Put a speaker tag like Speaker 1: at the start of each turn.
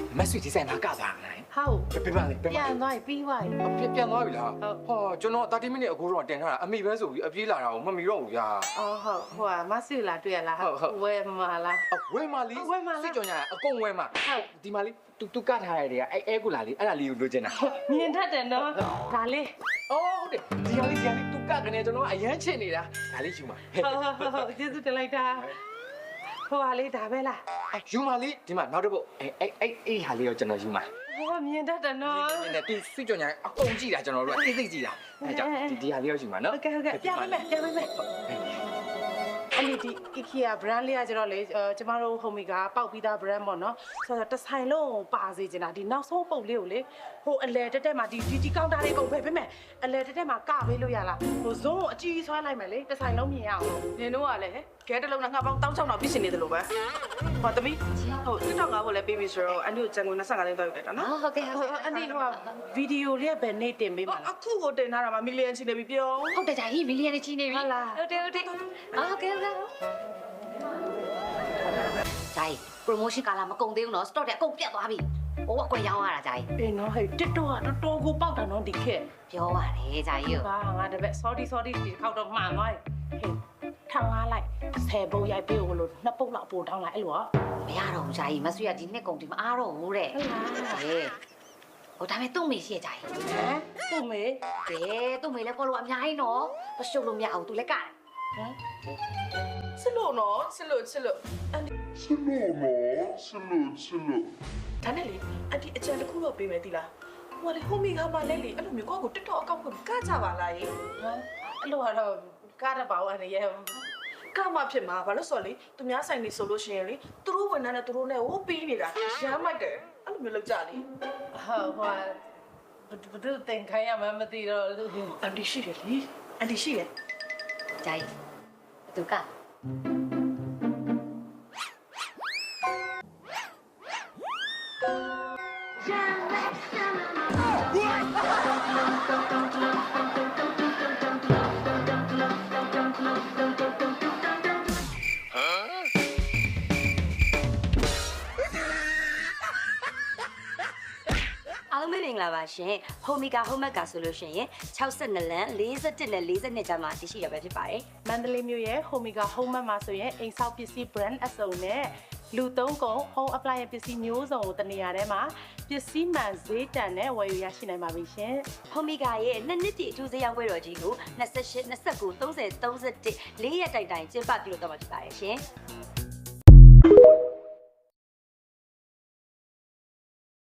Speaker 1: မဆွေဒီဇိုင်နာကစားနိုင်
Speaker 2: ဟုတ်
Speaker 1: ပြပါလေ
Speaker 2: ပြန်သွားပြီးသွားပြီ
Speaker 1: ပြန်သွားပြီလားဟောကျွန်တော်30မိနစ်အခုတော့တင်ထားတာအမိပဲဆိုပြီးအပြေးလာတာကိုမမီတော့ဘူးယာ
Speaker 2: အော်ဟုတ်ဟိုကမဆွေလာတွေ့ရလားဝဲမလား
Speaker 1: ဝဲမာလီစစ်ကြောင်ညာအကုန်ဝဲမှာဟုတ်ဒီမာလီတူကထားရတဲ့အဲကူလာလေးအဲ့ဒါလေးကိုလိုချင်တာ
Speaker 2: မြင်တတ်တယ်နော်ဒါလေး
Speaker 1: အော်ဟုတ်တယ်ဒီဟာလေးတူကကနေကျွန်တော်အရန်ချစ်နေတာဒါလေးယူမှာ
Speaker 2: ဟုတ်ကျေးဇူးတင်လိုက်တာဟိုဟာလေးဒါပဲလား
Speaker 1: ယူမာလီဒီမှာနောက်တစ်ပုတ်အဲ့ဟာလေးကိုကျွန်တော်ယူမှာ
Speaker 2: ဟိုကမြင်တတ်တယ်နော်
Speaker 1: နဲ့ဒီစစ်ကြောင်ညာအကုန်ကြည့်တာကျွန်တော်တို့အသိသိကြည့်တာအဲကြောင့်ဒီဟာလေးကိုယူမှာနော်
Speaker 2: ဟုတ်ကဲ့ပြန်မယ်အဲ့ဒီဒီ IKEA brand လေးကကျတော့လေကျမတို့ homie ကပေါက်ပြီးသား brand ပေါ့နော်ဆိုတော့တစ်ဆိုင်လုံးပါစေချင်တာဒီနောက်ဆုံးပုတ်လေးကိုလေဟိုအလဲတက်မှာဒီကောင်တာလေးကုန်ပဲပြင်မယ်အလဲတက်မှာကပေးလို့ရလားဟိုဇုံးကိုအကြီးဆွဲလိုက်မယ်လေတစ်ဆိုင်လုံးမြင်ရအောင်နင်တို့ကလည်းခဲတစ်လုံးနဲ့ငါပေါင်း1600တော့ပြည့်စင်နေတယ်လို့ပဲဟောတမီးဟိုTikTok ကဘို့လဲပေးပြီဆိုတော့အန်ဒီကိုကျန်ကုန်25လိန်းတော့ယူလိုက်တာနော်
Speaker 3: ဟုတ်ကဲ့ဟုတ်ကဲ့
Speaker 2: အန်ဒီကဗီဒီယိုလေးကဘယ်နေ့တင်ပေးမှာလဲအခုကိုတင်ထားတာမှာမီလီယံချီနေပြီပြော
Speaker 3: ဟုတ်တယ်ဂျာကြီးမီလီယံချီနေပြီ
Speaker 2: ဟုတ်လား
Speaker 3: ဟုတ်တယ်ဟုတ်တယ်ဟုတ်ကဲ့ဂျာကြီး promotion ကာလာမကုန်သေးဘူးနော် stock တွေအကုန်ပြတ်သွားပြီဟိုကကွယ်ရောင်းရတာဂျာကြီး
Speaker 2: အေးနော်ဟဲ့ TikTok ကတော်တော်ကိုပေါက်တာနော်ဒီခေတ်
Speaker 3: ပြောပါတယ်ဂျာကြီး
Speaker 2: ဟာငါတပည့် sorry ဒီခေါက်တော့မှန်သွားပြီဟေးထောင်လာလိုက်10ပုတ်ရိုက်ပေးလို့2ပုတ်လောက်ပို့တောင်းလိုက်အဲ့လိုอ่ะ
Speaker 3: မရတော့ဘူးဂျာကြီးမဆွေရဒီနှစ်ကုန်ဒီမအားတော့ဘူးတဲ့
Speaker 2: ဟုတ်လား
Speaker 3: ဟေးဟိုဒါမဲ့သူ့မေရှိရဂျာကြီး
Speaker 2: ဟမ်သူ့မေ
Speaker 3: ကဲသူ့မေလည်း follow အများကြီးနော်မရှုပ်လို့မရအောင်သူလည်းကတယ်ဟမ်
Speaker 2: ချစ်လို့နော်ချစ်လို့အန်ဒီ
Speaker 4: Chilo.
Speaker 2: ဒါနဲ့လေအန်ဒီအကြံတစ်ခုတော့ပေးမယ်သီလားဟိုလေ homie ကမှလည်းလေအဲ့လိုမျိုးကိုယ့်ကို TikTok အကောင့်ကိုကကြပါလားရေဟမ်အဲ့လိုကတော့ကားတပောင်းအနေရဲ့ကမှဖြစ်မှာဘာလို့ဆိုတော့လေသူများဆိုင်နေဆိုလို့ရှိရင်လေသူတို့ဝန်ထမ်းနဲ့သူတို့နဲ့ဟိုပြီးနေတာရမ်းမိုက်တယ်အဲ့လိုမျိုးလောက်ကြလေဟုတ်ဟိုဘယ်သူတင်ခိုင်းရမှမသိတော့အန်ဒီရှိတယ်လေအန်ဒီရှိတယ်
Speaker 3: ဂျာကြီးသူက အားလုံးမင်္ဂလာပါရှင် Homika Homeka ဆိုလို့ရှိရင်62လမ်း41နဲ့42ကျမ်းမှာတရှိရပဲဖြစ်ပါတယ်
Speaker 2: မန္တလေးမြို့ရဲ့ Homika Home Mart မှာဆိုရင်အိမ်ဆောက်ပစ္စည်း brand အစုံနဲ့လူသုံးကုန် home appliance ပစ္စည်းမျိုးစုံကိုတနေရာထဲမှာပစ္စည်းမှန်ဈေးတန်နဲ့ဝယ်ယူရရှိနိုင်ပါပြီရှင်
Speaker 3: Homika ရဲ့နှစ်နှစ်တည်းအထူးဈေးရောင်းပွဲတော်ကြီးကို28 29 30 31 4ရက်တိုင်တိုင်ကျင်းပပြုလုပ်တော့မှာဖြစ်ပါတယ်ရှင်